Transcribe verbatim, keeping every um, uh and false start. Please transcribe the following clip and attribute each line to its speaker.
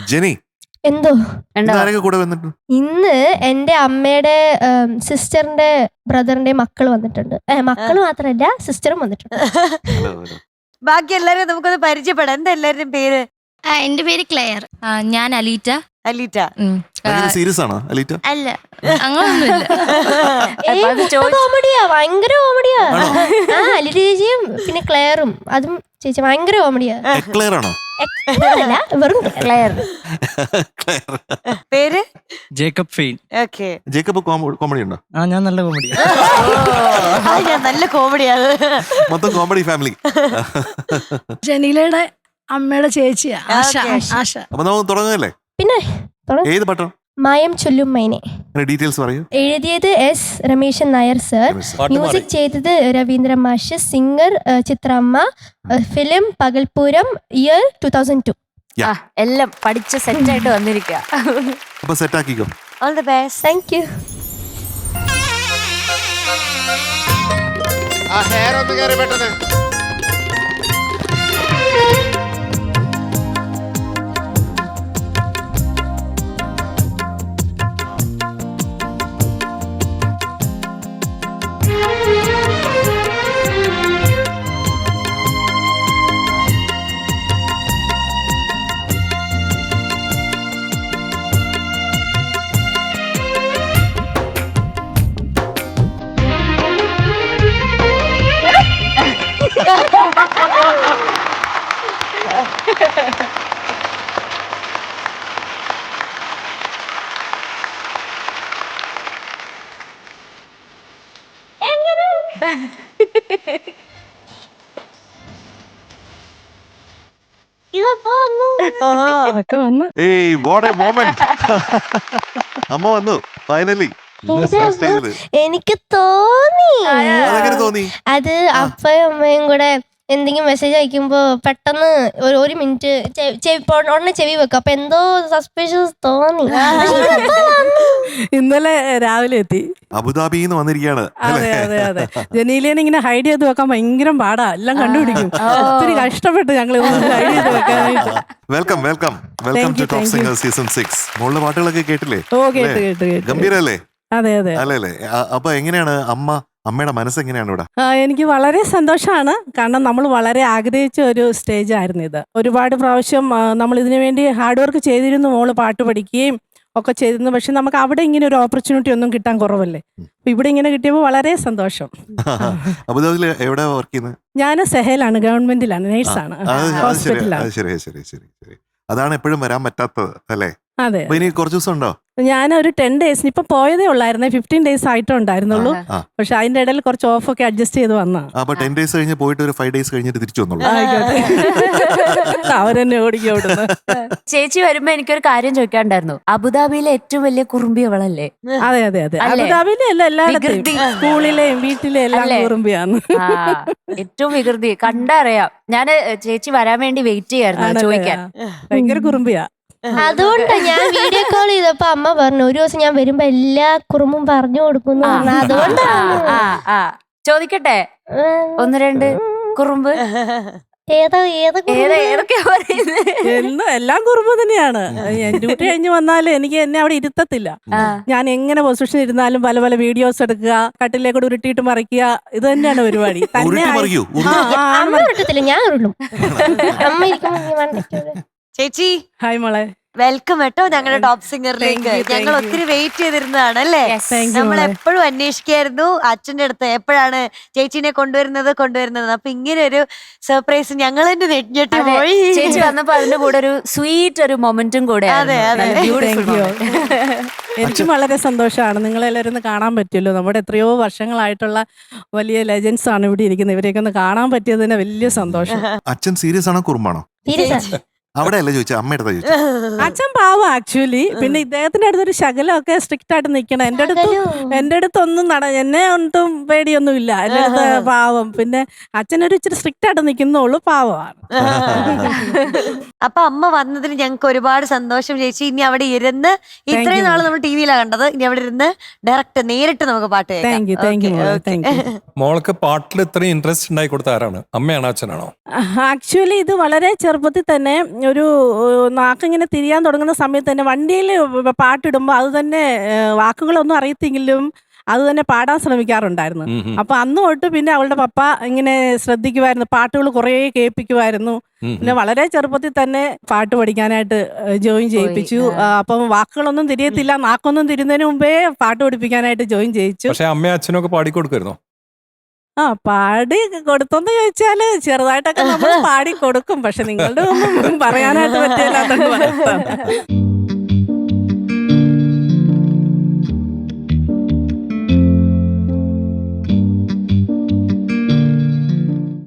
Speaker 1: ജെനി
Speaker 2: എന്തോ
Speaker 1: ആരൊക്കെ കൂടെ വന്നിട്ട്?
Speaker 2: ഇന്ന് എന്റെ അമ്മയുടെ സിസ്റ്ററിന്റെ ബ്രദറിന്റെ മക്കൾ വന്നിട്ടുണ്ട്. മക്കൾ മാത്രല്ല സിസ്റ്ററും വന്നിട്ടുണ്ട്.
Speaker 3: ബാക്കി എല്ലാരും നമുക്കൊന്ന് പരിചയപ്പെടാം. എന്താ എല്ലാവരുടെയും പേര്?
Speaker 4: എന്റെ പേര് ക്ലെയർ. ഞാൻ അലീറ്റ.
Speaker 3: അലീറ്റ
Speaker 1: സീരിയസ് ആണോ അലീറ്റ?
Speaker 4: അല്ല, അങ്ങനൊന്നുമില്ല.
Speaker 2: കോമഡിയാ, ഭയങ്കര കോമഡിയാ. ആ അലീറ്റ ചേച്ചിയും പിന്നെ ക്ലെയറും, അതും ചേച്ചി ഭയങ്കര കോമഡിയാ.
Speaker 1: ക്ലെയർ ആണോ?
Speaker 2: അല്ല, വെറും ക്ലെയർ.
Speaker 3: പേര്
Speaker 5: Jacob Fain.
Speaker 3: Okay.
Speaker 1: Jacob comedy ഉണ്ടോ?
Speaker 5: ആ, ഞാൻ നല്ല കോമഡി.
Speaker 3: ഞാൻ നല്ല കോമഡിയാണ്.
Speaker 1: മൊത്തം കോമഡി ഫാമിലി.
Speaker 4: ജനീലയുടെ അമ്മയുടെ ചേച്ചിയാ ആശ. ആശ.
Speaker 1: അപ്പൊ നമുക്ക് തുടങ്ങല്ലേ?
Speaker 2: പിന്നെ
Speaker 1: ഏത് പട്ടം?
Speaker 2: മായം ചൊല്ലും മൈനെ.
Speaker 1: ഡീറ്റെയിൽസ് പറയൂ.
Speaker 2: എഴുതിയത് S Ramesan Nair sir, music ചെയ്തത് രവീന്ദ്ര മാഷ്, സിംഗർ ചിത്രമ്മ, film Pakalpooram, year two thousand two.
Speaker 3: എല്ലാം പഠിച്ച സെറ്റ് ആയിട്ട് വന്നിരിക്കുക.
Speaker 1: അപ്പൊ സെറ്റ് ആക്കിക്കോ.
Speaker 3: All the best.
Speaker 2: Thank you.
Speaker 6: ആ ഹെയർ ഒന്ന് കേറി പെട്ടെന്ന്.
Speaker 1: ഏയ് വാട്ട് എ മൊമെന്റ്. അമ്മ വന്നു ഫൈനലി.
Speaker 2: എനിക്ക് തോന്നി
Speaker 1: അതെങ്ങനെ തോന്നി?
Speaker 2: അത് അപ്പയും അമ്മയും കൂടെ എന്തെങ്കിലും മെസ്സേജ് അയക്കുമ്പോ പെട്ടെന്ന് ഒരു ഒരു മിനിറ്റ് ഉടനെ ചെവി വെക്കും. അപ്പൊ എന്തോ സസ്പീഷ്യസ് തോന്നി.
Speaker 7: ഇന്നലെ രാവിലെ എത്തി,
Speaker 1: അബുദാബിന്ന് വന്നിരിക്കുകയാണ്.
Speaker 7: അതെ അതെ അതെ. ജനീലേനെ ഇങ്ങനെ ഹൈഡ് ചെയ്ത് വെക്കാൻ ഭയങ്കര പാടാ, എല്ലാം കണ്ടുപിടിക്കും. ഒത്തിരി കഷ്ടപ്പെട്ട് ഞങ്ങൾ ഹൈഡ് ചെയ്ത് വെക്കാനായിട്ട്.
Speaker 1: Welcome welcome welcome to top singer season six. മോളുടെ പാട്ടുകളൊക്കെ കേട്ടില്ലേ?
Speaker 7: ഓ കേട്ട് കേട്ട് കേട്ട്.
Speaker 1: ഗംഭീരല്ലേ?
Speaker 7: അതെ അതെ
Speaker 1: അല്ലേ അല്ലേ? അപ്പൊ എങ്ങനെയാണ് അമ്മ അമ്മയുടെ മനസ്സ് എങ്ങനെയാണ് ഇവിടെ?
Speaker 7: എനിക്ക് വളരെ സന്തോഷമാണ്. കാരണം നമ്മൾ വളരെ ആഗ്രഹിച്ച ഒരു സ്റ്റേജ് ആയിരുന്നു ഇത്. ഒരുപാട് പ്രാവശ്യം നമ്മൾ ഇതിനു വേണ്ടി ഹാർഡ് വർക്ക് ചെയ്തിരുന്നു. മോള് പാട്ട് പഠിക്കുകയും ഒക്കെ ചെയ്തിരുന്നു. പക്ഷെ നമുക്ക് അവിടെ ഇങ്ങനെ ഒരു ഓപ്പർച്യൂണിറ്റി ഒന്നും കിട്ടാൻ കുറവല്ലേ. അപ്പൊ ഇവിടെ ഇങ്ങനെ കിട്ടിയപ്പോൾ വളരെ സന്തോഷം.
Speaker 1: അബുദാബിയിൽ എവിടെ വർക്ക് ചെയ്യുന്നത്?
Speaker 7: ഞാൻ സെഹലാണ്, ഗവൺമെന്റിലാണ്, നേഴ്സാണ്, ഹോസ്പിറ്റലാണ്.
Speaker 1: ശരി ശരി ശരി ശരി. അതാണ് എപ്പോഴും വരാൻ പറ്റാത്തത് അല്ലേ?
Speaker 7: അതെ.
Speaker 1: ഇനി കുറച്ച് ദിവസം ഉണ്ടോ?
Speaker 7: ഞാൻ ഒരു ടെൻ ഡേയ്സിന് ഇപ്പൊ പോയതേ ഉള്ളായിരുന്നേ. ഫിഫ്റ്റീൻ ഡേയ്സ് ആയിട്ടേ ഉണ്ടായിരുന്നുള്ളൂ. പക്ഷെ അതിന്റെ ഇടയിൽ കുറച്ച് ഓഫ് ഒക്കെ അഡ്ജസ്റ്റ് ചെയ്ത് വന്നാ.
Speaker 1: അപ്പൊ ടെൻ ഡേയ്സ് കഴിഞ്ഞ് പോയിട്ട് ഒരു ഫൈവ് ഡേയ്സ് കഴിഞ്ഞിട്ട് തിരിച്ചു വന്നോളൂ.
Speaker 7: അവരെന്നെ ഓടിക്കും അവിടുന്ന്.
Speaker 3: ചേച്ചി വരുമ്പോ എനിക്കൊരു കാര്യം ചോദിക്കാണ്ടായിരുന്നു. അബുദാബിയിലെ ഏറ്റവും വലിയ കുറുമ്പി അവളല്ലേ?
Speaker 7: അതെ അതെ അതെ. അബുദാബിയിലെ അല്ല, എല്ലായിടത്തും സ്കൂളിലെയും വീട്ടിലെയും എല്ലാം കുറുമ്പിയാണ്.
Speaker 3: ഏറ്റവും വികൃതി കണ്ടറിയാം. ഞാന് ചേച്ചി വരാൻ വേണ്ടി വെയിറ്റ് ചെയ്യായിരുന്നു ചോദിക്കാൻ.
Speaker 7: ഭയങ്കര കുറുമ്പിയാ.
Speaker 2: അതുകൊണ്ട് ഞാൻ വീഡിയോ കോൾ ചെയ്തപ്പോ അമ്മ പറഞ്ഞു ഒരു ദിവസം ഞാൻ വരുമ്പോ എല്ലാ കുറുമ്പും പറഞ്ഞു കൊടുക്കുന്നു. അതുകൊണ്ടാണ്.
Speaker 3: ചോദിക്കട്ടെ ഒന്ന് രണ്ട് കുറുമ്പ്
Speaker 2: ഏതാ ഏതൊക്കെയാ
Speaker 7: എന്നും എല്ലാം കുറുമ്പ് തന്നെയാണ്. ഡ്യൂട്ടി കഴിഞ്ഞ് വന്നാലും എനിക്ക് എന്നെ അവിടെ ഇരുത്തത്തില്ല. ഞാൻ എങ്ങനെ പൊസിഷൻ ഇരുന്നാലും പല പല വീഡിയോസ് എടുക്കുക, കട്ടിലേക്കൂടെ ഉരുട്ടിയിട്ട് മറിക്കുക, ഇത് തന്നെയാണ് പരിപാടി. തന്നെ
Speaker 2: അമ്മ ഇട്ടത്തില്ല, ഞാൻ ഉരുളും. അമ്മ ഇരിക്കുമ്പോ
Speaker 3: ചേച്ചി
Speaker 7: ഹായ് മോളെ,
Speaker 3: വെൽക്കം കേട്ടോ ഞങ്ങളുടെ ടോപ്പ് സിംഗറിലേക്ക്. ഞങ്ങൾ ഒത്തിരി വെയിറ്റ് ചെയ്തിരുന്നതാണ് അല്ലേ. നമ്മൾ എപ്പോഴും അന്വേഷിക്കായിരുന്നു അച്ഛന്റെ അടുത്ത് എപ്പോഴാണ് ചേച്ചിനെ കൊണ്ടുവരുന്നത് കൊണ്ടുവരുന്നത് അപ്പൊ ഇങ്ങനെ ഒരു സർപ്രൈസ് ഞങ്ങൾ തന്നെ നെഞ്ഞെട്ടി പോയി. ചേച്ചി വന്നപ്പോ അതിന്റെ കൂടെ ഒരു സ്വീറ്റ് ഒരു മൊമെന്റും കൂടെ. അതെ അതെ.
Speaker 7: എനിക്കും വളരെ സന്തോഷമാണ് നിങ്ങളെല്ലാവരും ഒന്ന് കാണാൻ പറ്റുമല്ലോ. നമ്മുടെ എത്രയോ വർഷങ്ങളായിട്ടുള്ള വലിയ ലെജൻസ് ആണ് ഇവിടെ ഇരിക്കുന്നത്. ഇവരെയൊക്കെ ഒന്ന് കാണാൻ പറ്റിയത് തന്നെ വലിയ സന്തോഷം.
Speaker 1: അച്ഛൻ സീരിയസ് ആണോ കുറുമ്പാണോ? അവിടെ അല്ല ചോദിച്ചാ, അമ്മയുടെ ചോദിച്ചു.
Speaker 7: അച്ഛൻ പാവം ആക്ച്വലി. പിന്നെ ഇദ്ദേഹത്തിന്റെ അടുത്തൊരു ശകലമൊക്കെ സ്ട്രിക്റ്റ് ആയിട്ട് നിൽക്കണം. എന്റെ അടുത്ത് എന്റെ അടുത്തൊന്നും നട എന്നെ ഒന്നും പേടിയൊന്നും ഇല്ല. എന്റെ അടുത്ത് പാവം. പിന്നെ അച്ഛനൊരു ഇച്ചിരി സ്ട്രിക്റ്റ് ആയിട്ട് നിൽക്കുന്നുള്ളൂ, പാവമാണ്.
Speaker 3: അപ്പൊ അമ്മ വന്നതിന് ഞങ്ങൾക്ക് ഒരുപാട് സന്തോഷം ചേച്ചി. ഇനി അവിടെ ഇരുന്ന് ഇത്രയും നാള് നമ്മൾ ടി വിയിലാണ് കണ്ടത്, ഇനി അവിടെ ഇരുന്ന് ഡയറക്റ്റ് നേരിട്ട് നമുക്ക് പാട്ട് കേൾക്കാം.
Speaker 8: മോൾക്ക് പാട്ടിൽ ഇത്രയും ഇൻട്രസ്റ്റ് ഉണ്ടായി കൊടുത്ത ആരാണ്? അമ്മയാണോ അച്ഛനാണോ?
Speaker 7: ആക്ച്വലി ഇത് വളരെ ചെറുപ്പത്തിൽ തന്നെ ഒരു ഏഹ്, നാക്കിങ്ങനെ തിരിയാൻ തുടങ്ങുന്ന സമയത്ത് തന്നെ വണ്ടിയിൽ പാട്ടിടുമ്പോൾ അത് തന്നെ ഏഹ്, വാക്കുകളൊന്നും അറിയത്തെങ്കിലും അത് തന്നെ പാടാൻ ശ്രമിക്കാറുണ്ടായിരുന്നു.
Speaker 6: ഉം, ഉം.
Speaker 7: അപ്പൊ അന്ന് തൊട്ട് പിന്നെ അവളുടെ പപ്പ ഇങ്ങനെ ശ്രദ്ധിക്കുമായിരുന്നു, പാട്ടുകൾ കുറേ കേൾപ്പിക്കുമായിരുന്നു.
Speaker 6: ഉം,
Speaker 7: പിന്നെ വളരെ ചെറുപ്പത്തിൽ തന്നെ പാട്ട് പഠിക്കാനായിട്ട് ജോയിൻ ചെയ്യിപ്പിച്ചു. ആ, അപ്പം വാക്കുകളൊന്നും തിരിയത്തില്ല, നാക്കൊന്നും തിരിയുന്നതിന് മുമ്പേ പാട്ട് പഠിപ്പിക്കാനായിട്ട് ജോയിൻ ചെയ്യിച്ചു.
Speaker 6: പക്ഷെ അമ്മയും അച്ഛനും ഒക്കെ പാടിക്കൊടുക്കുമായിരുന്നോ?
Speaker 7: ആ പാടി കൊടുത്തെന്ന് ചോദിച്ചാല് ചെറുതായിട്ടൊക്കെ നമ്മൾ പാടി കൊടുക്കും, പക്ഷെ നിങ്ങളുടെ ഒന്നും പറയാനായിട്ട് പറ്റില്ലാത്തോണ്ട് പറയാം.